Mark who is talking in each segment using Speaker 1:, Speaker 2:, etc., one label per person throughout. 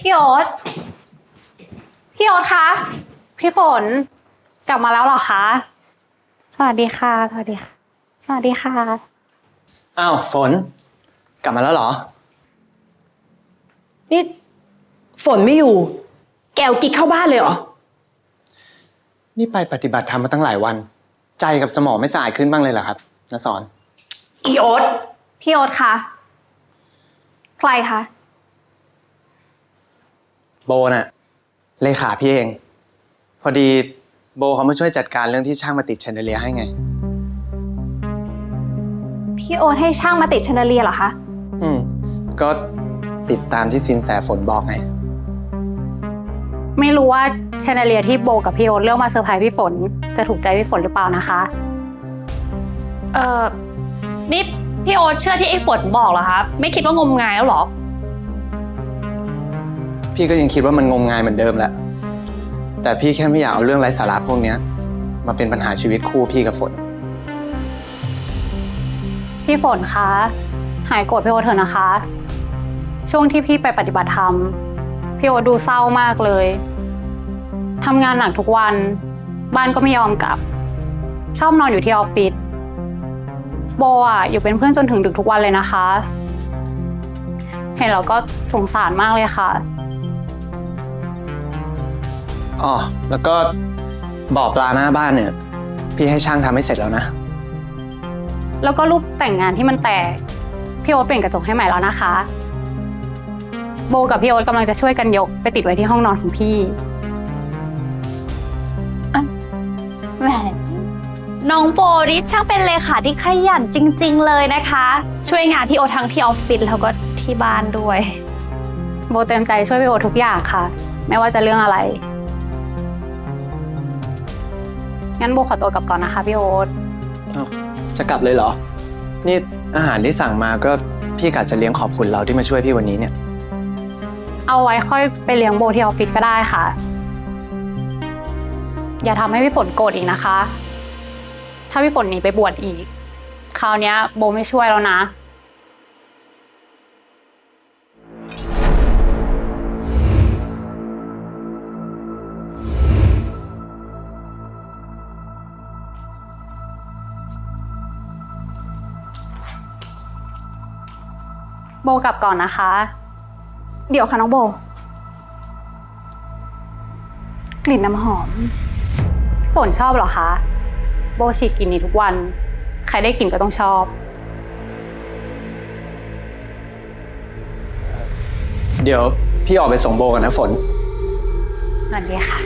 Speaker 1: พี่โอ๊ตพี่โอ๊ตคะพี่ฝนกลับมาแล้วเหรอคะสวัสดีค่ะสวัสดีค่ะสวัสดีค่ะ
Speaker 2: อ้าวฝนกลับมาแล้วเหรอ
Speaker 3: นี่ฝนไม่อยู่แกวกิ๊กเข้าบ้านเลยเหรอ
Speaker 2: นี่ไปปฏิบัติธรรมมาตั้งหลายวันใจกับสมองไม่สะอาดขึ้นบ้างเลยเหรอครับณสอน
Speaker 3: อีโอ๊ต
Speaker 1: พี่โอ๊ตคะใครคะ
Speaker 2: โบน่ะเลขาพี่เองพอดีโบเขามาช่วยจัดการเรื่องที่ช่างมาติดแชนเดอเลียให้ไง
Speaker 1: พี่โอ๊ตให้ช่างมาติดแชนเดอเลียเหรอคะ
Speaker 2: ก็ติดตามที่สินแสฝนบอกไง
Speaker 1: ไม่รู้ว่าแชนเดอเลียที่โบกับพี่โอ๊ตเลือกมาเซอร์ไพรส์พี่ฝนจะถูกใจพี่ฝนหรือเปล่านะคะ
Speaker 4: นี่พี่โอ๊ตเชื่อที่ไอ้ฝนบอกเหรอคะไม่คิดว่างมงายแล้วหรอ
Speaker 2: พี่ก็ยังคิดว่ามันงมงายเหมือนเดิมแหละแต่พี่แค่ไม่อยากเอาเรื่องไร้สาระพวกนี้มาเป็นปัญหาชีวิตคู่พี่กับฝน
Speaker 1: พี่ฝนคะหายโกรธพี่โอ๊ตเถอะนะคะช่วงที่พี่ไปปฏิบัติธรรมพี่โอ๊ตดูเศร้ามากเลยทำงานหนักทุกวันบ้านก็ไม่ยอมกลับชอบนอนอยู่ที่ออฟฟิศโบอยู่เป็นเพื่อนจนถึงดึกทุกวันเลยนะคะเห็นแล้วก็สงสารมากเลยค่ะ
Speaker 2: อ๋อแล้วก็บ่อปลาหน้าบ้านเนี่ยพี่ให้ช่างทำให้เสร็จแล้วนะ
Speaker 1: แล้วก็รูปแต่งงานที่มันแตกพี่โอ๊ตเปลี่ยนกระจกให้ใหม่แล้วนะคะโบกับพี่โอ๊ตกำลังจะช่วยกันยกไปติดไว้ที่ห้องนอนของพี่
Speaker 4: แหมน้องโบนี่ช่างเป็นเลขาที่ขยันจริงๆเลยนะคะช่วยงานพี่โอ๊ตทั้งที่ออฟฟิศแล้วก็ที่บ้านด้วย
Speaker 1: โบเต็มใจช่วยพี่โอ๊ตทุกอย่างค่ะไม่ว่าจะเรื่องอะไรงั้นโบขอตัวกลับก่อนนะคะพี่โอ๊ต
Speaker 2: จะกลับเลยเหรอนี่อาหารที่สั่งมาก็พี่กะจะเลี้ยงขอบคุณเราที่มาช่วยพี่วันนี้เนี่ย
Speaker 1: เอาไว้ค่อยไปเลี้ยงโบที่ออฟฟิศก็ได้ค่ะอย่าทำให้พี่ฝนโกรธอีกนะคะถ้าพี่ฝนหนีไปบวชอีกคราวนี้โบไม่ช่วยแล้วนะโบกลับก่อนนะคะเดี๋ยวค่ะน้องโบกลิ่นน้ำหอมฝนชอบเหรอคะโบฉีดกลิ่นนี้ทุกวันใครได้กลิ่นก็ต้องชอบ
Speaker 2: เดี๋ยวพี่ออกไปส่งโบกันนะฝน
Speaker 1: สวัสดีค่ะ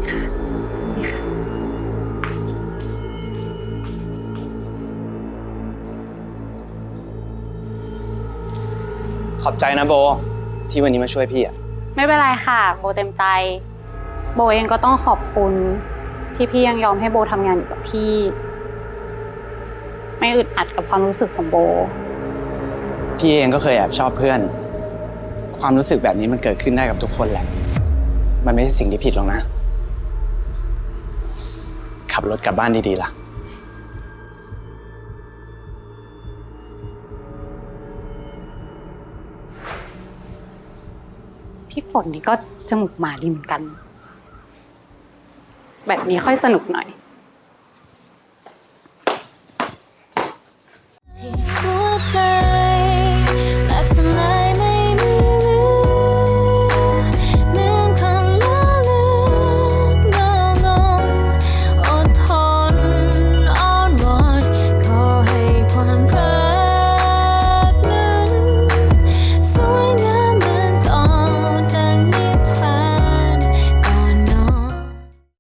Speaker 2: ขอบใจนะโบที่วันนี้มาช่วยพี่
Speaker 1: ไม่เป็นไรค่ะโบเต็มใจโบเองก็ต้องขอบคุณที่พี่ยังยอมให้โบทำงานอยู่กับพี่ไม่อึดอัดกับความรู้สึกของโบ
Speaker 2: พี่เองก็เคยแอบชอบเพื่อนความรู้สึกแบบนี้มันเกิดขึ้นได้กับทุกคนแหละมันไม่ใช่สิ่งที่ผิดหรอกนะขับรถกลับบ้านดีๆล่ะ
Speaker 1: พี่ฝนนี่ก็จมูกหมาดีเหมือนกันแบบนี้ค่อยสนุกหน่อย